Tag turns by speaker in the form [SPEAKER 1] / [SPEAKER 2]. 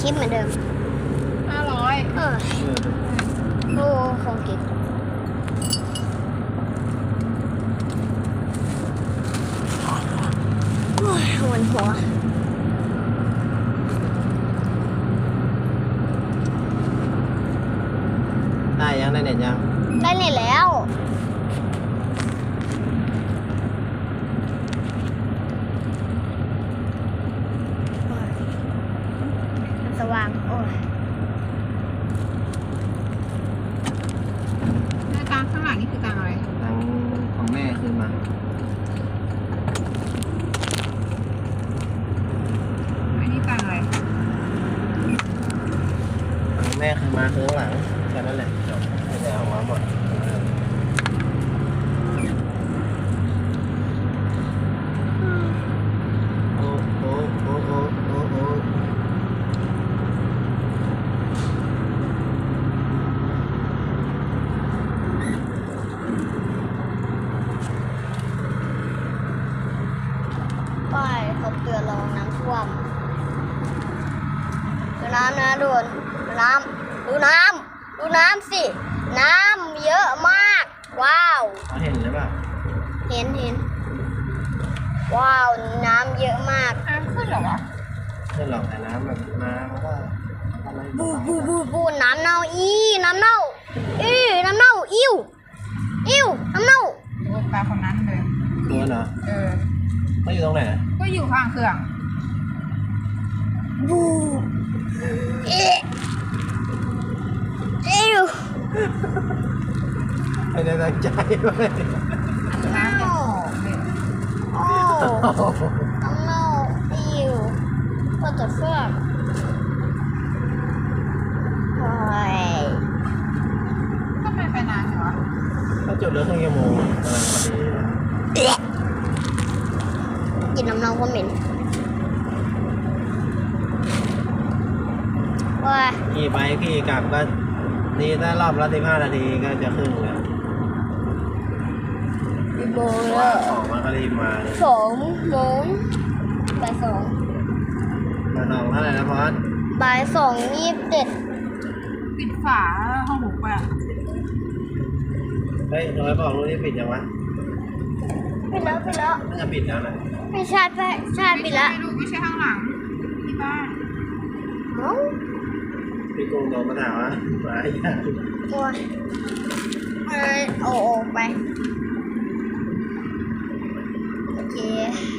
[SPEAKER 1] ทิปเหมือนเดิม
[SPEAKER 2] 500
[SPEAKER 1] โอ้ของกินโอ้ยหัวหัว
[SPEAKER 3] ได้ยังได้เน็ตยัง
[SPEAKER 1] ได้เน็ตแล้วโอ้ยมันสว่างโอ้ย
[SPEAKER 2] กลางข้างหลังนี่คือกลางอะไร
[SPEAKER 3] ตังของแม่คืนมา
[SPEAKER 2] อันนี้กลางอะไร
[SPEAKER 3] ตังแม่คืนมาคือข้างหลังแค่นั้นแหละจบไม่ได้เอามาหมดโอ้โอ้โอ้โอ้โอ้โอ้
[SPEAKER 1] ป้ายเขาเตือนระวังน้ำท่วมดูน้ำนะดูน้ำดูน้ำสิน้ำเยอะมากว้าว
[SPEAKER 3] เขาเห็นหรือเปล่า
[SPEAKER 1] เห็นว้าวน้ำเยอะมาก
[SPEAKER 2] น้ำขึ้นเหรอวะ
[SPEAKER 3] ไม่หรอกแต่น้ำแบบมามันก็อะไร
[SPEAKER 1] บูน้ำเน่าน้ำเน่าน้ำเน่าอิ่วน้ำเน่า
[SPEAKER 2] โอ้ปลาคนนั้นเลย
[SPEAKER 3] ตัวเหรอ เขาอยู่ตรงไหน
[SPEAKER 2] ก็อยู่ข้างเครื่อง
[SPEAKER 1] บูอิ่ว
[SPEAKER 3] ไม่ได้ตั้งใจเลย
[SPEAKER 2] น้ำจะออกเลย
[SPEAKER 1] โอ้น้ำเน่าอิ่วก็จะเฟื่องโอ้ย
[SPEAKER 2] ทำไมไปนานเหรอ
[SPEAKER 3] เขาจุดเรือครึ่งชั่วโมงกำลังพอดี
[SPEAKER 1] กินน้ำเน่าก็เหม็นว้า
[SPEAKER 3] ขี่ไปขี่กลับก็นี่ถ้ารอบละ15 นาทีก็จะครึ่งแล้ว
[SPEAKER 1] กี่โมง
[SPEAKER 3] ว่า
[SPEAKER 1] แล้ว
[SPEAKER 3] ออกมาก็รีบมาเลย
[SPEAKER 1] 2 โมงบ่าย
[SPEAKER 3] มาลองเท่าไหร่นะพอส
[SPEAKER 1] 2บ่าย 2:27
[SPEAKER 2] ปิดฝาห้องหมูไปอ่ะ
[SPEAKER 3] เฮ้ยน้อยบอกรู้ที่ปิดยังวะ
[SPEAKER 1] ปิดแล้ว
[SPEAKER 3] น่าจะปิดแล้วนะ
[SPEAKER 1] ไม่ใช่ปิดแล้ว
[SPEAKER 2] ไม่รู้ไม่ใช่ข้างหลังที่บ้าน
[SPEAKER 1] เอ้า
[SPEAKER 3] พี่กุ้งโดนมาถามว่ามาอย่าง
[SPEAKER 1] โอ้ยโอ้ไปโอเค